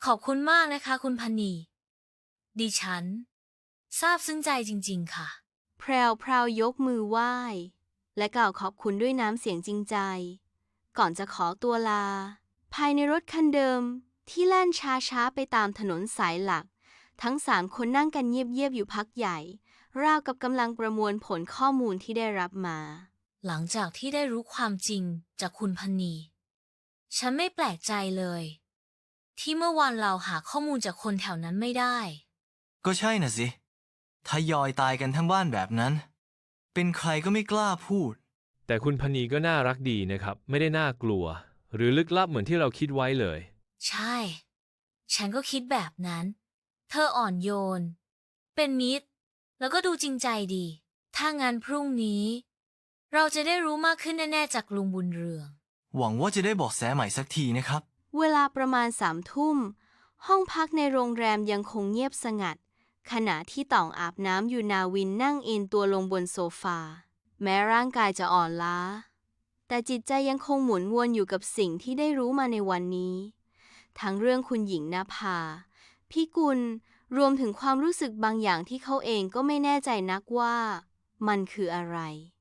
ขอบคุณมากนะคะคุณพันนีดิฉันซาบซึ้งใจจริงๆค่ะแพรวพราวยกมือไหว้และกล่าวขอบคุณด้วยน้ำเสียงจริงใจก่อนจะขอตัวลาภายในรถคันเดิมที่แล่นช้าๆไปตามถนนสายหลักทั้ง3 คนนั่งกันเงียบๆอยู่พักใหญ่ราวกับกำลังประมวลผลข้อมูลที่ได้รับมาหลังจากที่ได้รู้ความจริงจากคุณพันนีฉันไม่แปลกใจเลยที่เมื่อวานเราหาข้อมูลจากคนแถวนั้นไม่ได้ก็ใช่น่ะสิทยอยตายกันทั้งบ้านแบบนั้นเป็นใครก็ไม่กล้าพูดแต่คุณพนีก็น่ารักดีนะครับไม่ได้น่ากลัวหรือลึกลับเหมือนที่เราคิดไว้เลยใช่ ฉันก็คิดแบบนั้น เธออ่อนโยน เป็นมิตร แล้วก็ดูจริงใจดี ถ้างั้นพรุ่งนี้ เราจะได้รู้มากขึ้นแน่ๆจากลุงบุญเรืองหวังว่าจะได้เบาะแสใหม่สักทีนะครับเวลาประมาณ3 ทุ่มห้องพักในโรงแรมยังคงเงียบสงัดขณะที่ต่องอาบน้ำอยู่นาวินนั่งเอนตัวลงบนโซฟาแม้ร่างกายจะอ่อนล้าแต่จิตใจยังคงหมุนวนอยู่กับสิ่งที่ได้รู้มาในวันนี้ทั้งเรื่องคุณหญิงนภาพี่กุลรวมถึงความรู้สึกบางอย่างที่เขาเองก็ไม่แน่ใจนักว่ามันคืออะไร